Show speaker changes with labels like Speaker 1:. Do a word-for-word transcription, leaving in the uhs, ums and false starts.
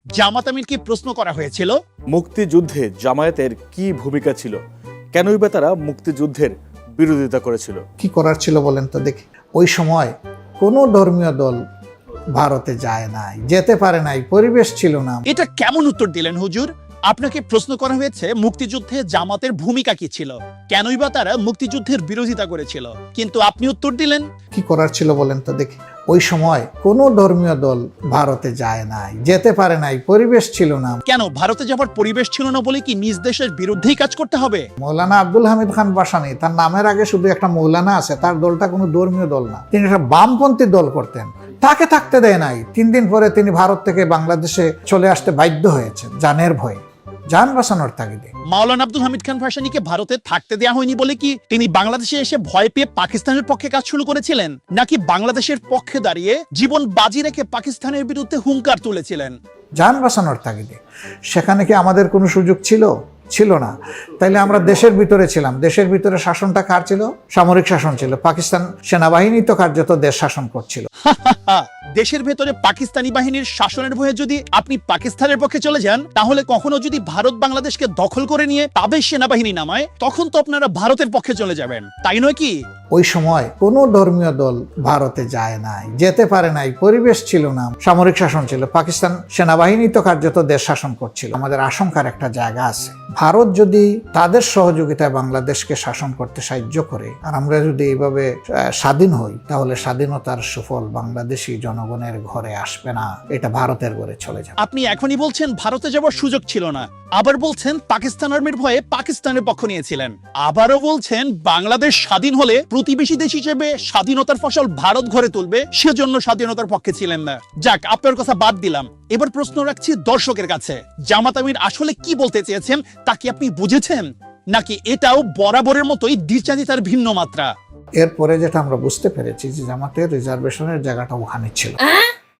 Speaker 1: জামাত আমিরকে প্রশ্ন করা হয়েছিল,
Speaker 2: মুক্তিযুদ্ধে জামায়াতের কি ভূমিকা ছিল, কেনই বা তারা মুক্তিযুদ্ধের বিরোধিতা করেছিল?
Speaker 3: কি করার ছিল বলেন তো দেখি। ওই সময় কোনো ধর্মীয় দল ভারতে যায় নাই, যেতে পারে নাই, পরিবেশ ছিল না।
Speaker 1: এটা কেমন উত্তর দিলেন হুজুর? আপনাকে প্রশ্ন করা হয়েছে মুক্তিযুদ্ধে জামাতের ভূমিকা কি ছিল, কেনই বা তারা মুক্তিযুদ্ধের বিরোধিতা করেছিল, কিন্তু আপনি উত্তর দিলেন
Speaker 3: কি করার ছিল বলেন তো দেখি। ওই সময় কোনো ধর্মীয় দল ভারতে যায় নাই, যেতে পারে নাই, পরিবেশ ছিল না।
Speaker 1: কেন ভারতে যাবার পরিবেশ ছিল না বলে কি নিজ দেশের বিরুদ্ধেই কাজ করতে হবে?
Speaker 3: মৌলানা আব্দুল হামিদ খান ভাসানী, তার নামের আগে শুধু একটা মৌলানা আছে, তার দলটা কোনো ধর্মীয় দল না, তিনি একটা বামপন্থী দল করতেন, তাকে থাকতে দেয় নাই। তিন দিন পরে তিনি ভারত থেকে বাংলাদেশে চলে আসতে বাধ্য হয়েছেন জানের ভয়ে, জান বাঁচানোর তাগিদে।
Speaker 1: মাওলানা আব্দুল হামিদ খান ভাসানীকে ভারতে থাকতে দেওয়া হয়নি বলে কি তিনি বাংলাদেশে এসে ভয় পেয়ে পাকিস্তানের পক্ষে কাজ শুরু করেছিলেন, নাকি বাংলাদেশের পক্ষে দাঁড়িয়ে জীবন বাজি রেখে পাকিস্তানের বিরুদ্ধে হুঙ্কার তুলেছিলেন?
Speaker 3: জান বাঁচানোর তাগিদে। সেখানে কি আমাদের কোনো সুযোগ ছিল? ছিল না। তাইলে আমরা দেশের ভিতরে ছিলাম, দেশের ভিতরে শাসনটা কার ছিল? সামরিক শাসন ছিল। পাকিস্তান সেনাবাহিনী তো কার্যত দেশ শাসন করছিল।
Speaker 1: দেশের ভেতরে পাকিস্তানি বাহিনীর শাসনের ভয়ে যদি আপনি পাকিস্তানের পক্ষে চলে যান, তাহলে কখনো যদি ভারত বাংলাদেশকে দখল করে নিয়ে তাদের সেনাবাহিনী নামায়, তখন তো আপনারা ভারতের পক্ষে চলে যাবেন, তাই নয় কি?
Speaker 3: ওই সময় কোনো ধর্মীয় দল ভারতে যায় নাই, যেতে পারে নাই, পরিবেশ ছিল না, সামরিক শাসন ছিল। পাকিস্তান সেনাবাহিনী তো কার্যত দেশ শাসন করছিল। আমাদের আশঙ্কার একটা জায়গা আছে, ভারত যদি তাদের সহযোগিতায় বাংলাদেশকে শাসন করতে সাহায্য করে, আর আমরা যদি এইভাবে স্বাধীন হই, তাহলে স্বাধীনতার সুফল বাংলাদেশি জনগণের ঘরে আসবে না, এটা ভারতের ঘরে চলে যাবে।
Speaker 1: আপনি এখনই বলছেন ভারতে যাওয়ার সুযোগ ছিল না, আবার বলছেন পাকিস্তান আর্মির ভয়ে পাকিস্তানের পক্ষ নিয়েছিলেন, আবারও বলছেন বাংলাদেশ স্বাধীন হলে প্রতিবেশী দেশ হিসেবে স্বাধীনতার ফসল ভারত ঘরে তুলবে, সেজন্য স্বাধীনতার পক্ষে ছিলেন না। যাক, আপনার কথা বাদ দিলাম। এবার প্রশ্ন রাখছি দর্শকের কাছে, জামাত আমির আসলে কি বলতে চেয়েছেন তা কি আপনি বুঝেছেন, নাকি এটাও বরাবরের মতোই দ্বিচারিতার ভিন্ন মাত্রা?
Speaker 3: এরপরে যেটা আমরা বুঝতে পেরেছি যে জামাতের রিজার্ভেশনের জায়গাটা ওখানে ছিল।